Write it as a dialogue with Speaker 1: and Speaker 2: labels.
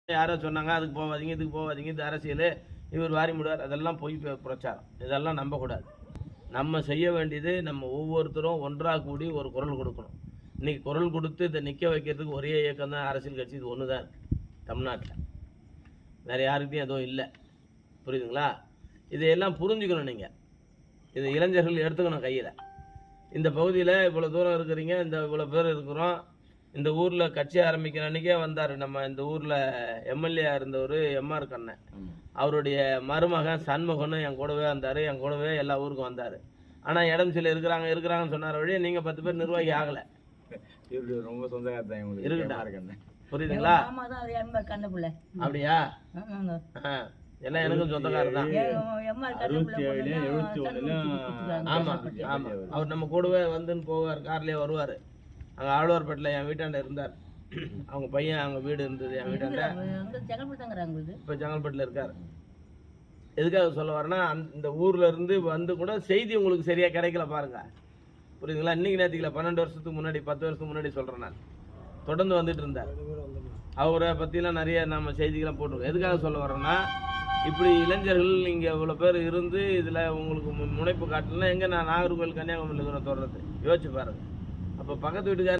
Speaker 1: யாரோ சொன்னாங்க அதுக்கு போகாதீங்க, இதுக்கு போகாதீங்க, இது அரசியல், இவர் வாரி முடுவார், அதெல்லாம் பொய் பிரச்சாரம். இதெல்லாம் நம்பக்கூடாது. நம்ம செய்ய வேண்டியது நம்ம ஒவ்வொருத்தரும் ஒன்றாக கூடி ஒரு குரல் கொடுக்கணும். இன்னைக்கு குரல் கொடுத்து இதை நிற்க வைக்கிறதுக்கு ஒரே இயக்கம் தான் அரசியல் கட்சி. இது ஒன்று தான் இருக்குது தமிழ்நாட்டில். வேறு யாருக்கிட்டையும் எதுவும் இல்லை. புரியுதுங்களா? இதையெல்லாம் புரிஞ்சுக்கணும். நீங்கள் இது இளைஞர்கள் எடுத்துக்கணும் கையில். இந்த பகுதியில் இவ்வளோ தூரம் இருக்கிறீங்க, இவ்வளோ பேர் இருக்கிறோம். இந்த ஊரில் கட்சி ஆரம்பிக்கிற அன்றைக்கே வந்தார். நம்ம இந்த ஊரில் எம்எல்ஏ இருந்தவர் எம்ஆர் கண்ணன், அவருடைய மருமகன் சண்முகன்னு என் கூடவே வந்தார். என் கூடவே எல்லா ஊருக்கும் வந்தார். ஆனால் இடம் சில இருக்கிறாங்கன்னு சொன்னார் வழியே நீங்கள் 10 பேர் நிர்வாகி ஆகலை.
Speaker 2: ரொம்ப சொந்தக்காரன்
Speaker 1: இருக்கட்டும். புரியுதுங்களா? அப்படியா? எல்லாம் எனக்கும் சொந்தக்காரர் தான். ஆமாம் ஆமாம். அவர் நம்ம கூடவே வந்துன்னு போவார், கார்லேயே வருவார். அங்கே ஆழ்வார்பேட்டில் என் வீட்டாண்ட இருந்தார். அவங்க பையன் அவங்க வீடு இருந்தது என் வீட்டாண்ட. இப்போ செங்கல்பட்டில் இருக்கார். எதுக்காக சொல்ல வரேன்னா, இந்த ஊரில் இருந்து வந்து கூட செய்தி உங்களுக்கு சரியாக கிடைக்கல பாருங்க. புரியுதுங்களா? இன்றைக்கி நேற்றுக்கல 12 வருஷத்துக்கு முன்னாடி 10 வருஷத்துக்கு முன்னாடி சொல்கிறேன். நான் தொடர்ந்து வந்துட்டு இருந்தார். அவரை பற்றிலாம் நிறைய நம்ம செய்திகள்லாம் போட்டிருக்கோம். எதுக்காக சொல்ல வரேன்னா, இப்படி இளைஞர்கள் இங்கே இவ்வளோ பேர் இருந்து இதில் உங்களுக்கு முனைப்பு காட்டலாம். எங்கே நான் நாகர்கோவில் கன்னியாகுமரியில் இருக்கிற தொடர்றது யோசிச்சு பாருங்கள். அப்போ பக்கத்து வீட்டுக்கார